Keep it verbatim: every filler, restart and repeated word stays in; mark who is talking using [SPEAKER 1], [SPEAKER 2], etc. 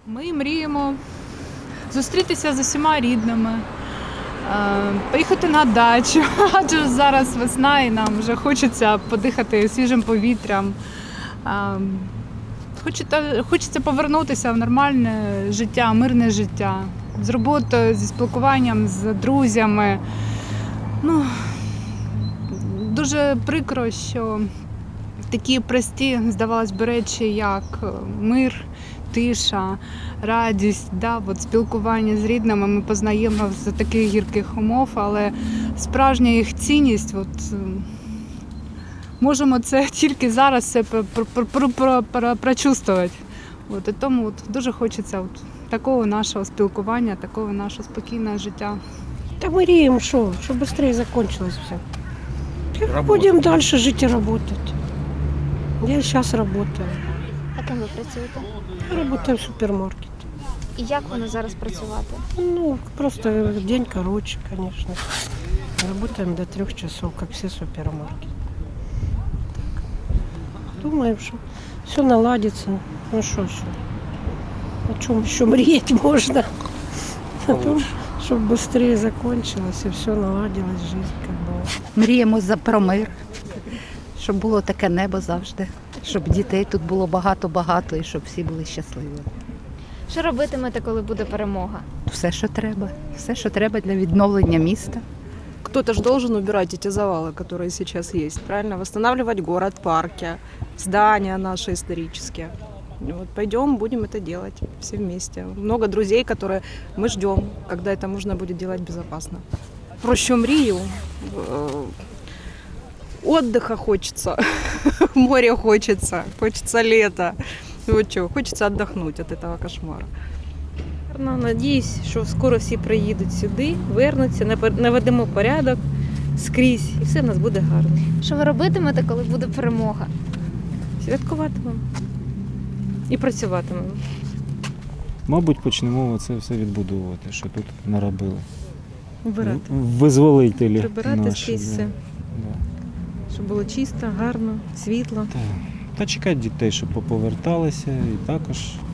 [SPEAKER 1] Ми мріємо зустрітися з усіма рідними, е, поїхати на дачу, адже зараз весна і нам вже хочеться подихати свіжим повітрям. Е, Хочеться, хочеться повернутися в нормальне життя, мирне життя, з роботою, зі спілкуванням з друзями. Ну, дуже прикро, що такі прості, здавалось би, речі, як мир, тиша, радість, да, от спілкування з рідними ми познаємо з таких гірких умов, але справжня їх цінність, от, можемо це тільки зараз все прочувствувати. От, і тому от, дуже хочеться от, такого нашого спілкування, такого нашого спокійного життя.
[SPEAKER 2] Да мы мріємо, що, щоб швидше закончилось все. Будем дальше жить и работать. Я сейчас работаю.
[SPEAKER 3] А ким ви працюєте?
[SPEAKER 2] Я работаю в супермаркете.
[SPEAKER 3] І як воно зараз працювати?
[SPEAKER 2] Ну, просто день короче, конечно. Работаем до трех часов, как все супермаркеты. Так. Думаем, что все наладится. Ну что еще? О чем еще мріяти можно? О том, чтобы быстрее закончилось и все наладилось, жизнь как бы.
[SPEAKER 4] Мріємо за про мир, щоб було таке небо завжди, щоб дітей тут було багато-багато і щоб всі були щасливі.
[SPEAKER 3] Що робитимете, коли буде перемога?
[SPEAKER 4] Все, що треба, все, що треба для відновлення міста.
[SPEAKER 5] Кто-то же должен убирать эти завалы, которые сейчас есть, правильно? Восстанавливать город, парки, здания наши исторические. И вот пойдем, будем это делать все вместе. Много друзей, которые мы ждем, когда это можно будет делать безопасно. Про що мрію? Э, Отдыха хочется, море хочется, хочется лета. Вот что, хочется отдохнуть от этого кошмара.
[SPEAKER 6] Ну, надіюсь, що скоро всі приїдуть сюди, вернуться, напер- наведемо порядок скрізь, і все в нас буде гарно.
[SPEAKER 3] Що ви робитимете, коли буде перемога?
[SPEAKER 6] Святкуватимемо і працюватимемо.
[SPEAKER 7] Мабуть, почнемо це все відбудовувати, що тут наробили.
[SPEAKER 6] Вбирати,
[SPEAKER 7] Визволителі
[SPEAKER 6] прибирати
[SPEAKER 7] наші,
[SPEAKER 6] скрізь
[SPEAKER 7] да.
[SPEAKER 6] все,
[SPEAKER 7] Да.
[SPEAKER 6] щоб було чисто, гарно, світло.
[SPEAKER 7] Та, та чекати дітей, щоб поповерталися, і також